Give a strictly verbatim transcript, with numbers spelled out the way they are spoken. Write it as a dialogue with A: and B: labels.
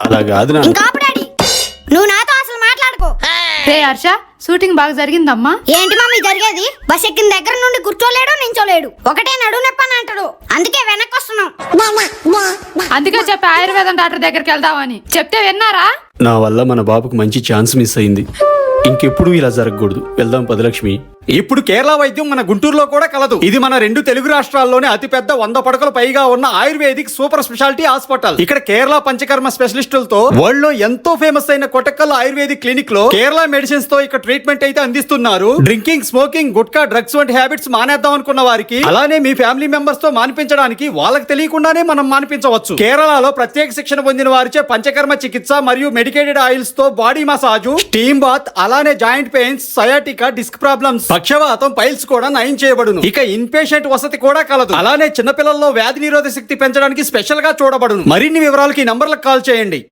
A: అలా కాదు నాన్న.
B: ఇంకా ఆపు డాడీ, నువ్వు నాతో అసలు మాట్లాడుకో.
C: రే హర్ష, షూటింగ్ బాగా జరిగిందమ్మా.
B: ఏంటి మమ్మీ జరిగేది? బస్ ఎక్కిన దగ్గర నుండి కూర్చోలేడు, నించోలేడు, ఒకటే నడు నొప్పి అని అంటాడు. అందుకే వెనక్కి వస్తున్నాం.
C: అందుకే చెప్పి ఆయుర్వేదం డాక్టర్ దగ్గరికి వెళ్దామని చెప్తే విన్నారా?
A: నా వల్ల మన బాబుకు మంచి ఛాన్స్ మిస్ అయింది. ఇంకెప్పుడు ఇలా జరగకూడదు. వెళ్దాం పదలక్ష్మి. ఇప్పుడు కేరళ వైద్యం మన గుంటూరులో కూడా కలదు. ఇది మన రెండు తెలుగు రాష్ట్రాల్లోనే అతిపెద్ద వంద పడకలు పైగా ఉన్న ఆయుర్వేదిక్ సూపర్ స్పెషాలిటీ హాస్పిటల్. ఇక్కడ కేరళ పంచకర్మ స్పెషలిస్టులతో వరల్డ్ లో ఎంతో ఫేమస్ అయిన కొటక్కల్ ఆయుర్వేదిక్ క్లినిక్ లో కేరళ మెడిసిన్స్ తో ఇక్కడ ట్రీట్మెంట్ అయితే అందిస్తున్నారు. డ్రింకింగ్, స్మోకింగ్, గుట్కా, డ్రగ్స్ వంటి హ్యాబిట్స్ మానేద్దాం అనుకున్న వారికి, అలానే మీ ఫ్యామిలీ మెంబర్స్ తో మానిపించడానికి వాళ్ళకి తెలియకుండానే మనం మానిపించవచ్చు. కేరళలో ప్రత్యేక శిక్షణ పొందిన వారిచే పంచకర్మ చికిత్స మరియు మెడికేటెడ్ ఆయిల్స్ తో బాడీ మసాజు, స్టీమ్ బాత్, అలానే joint pains, sciatica, disc problems, పక్షవాతం, పైల్స్ కూడా నయం చేయబడును. ఇక ఇన్ పేషెంట్ వసతి కూడా కలదు. అలానే చిన్నపిల్లల్లో వ్యాధి నిరోధక శక్తి పెంచడానికి స్పెషల్ గా చూడబడును. మరిన్ని వివరాలకి నంబర్లకు కాల్ చేయండి.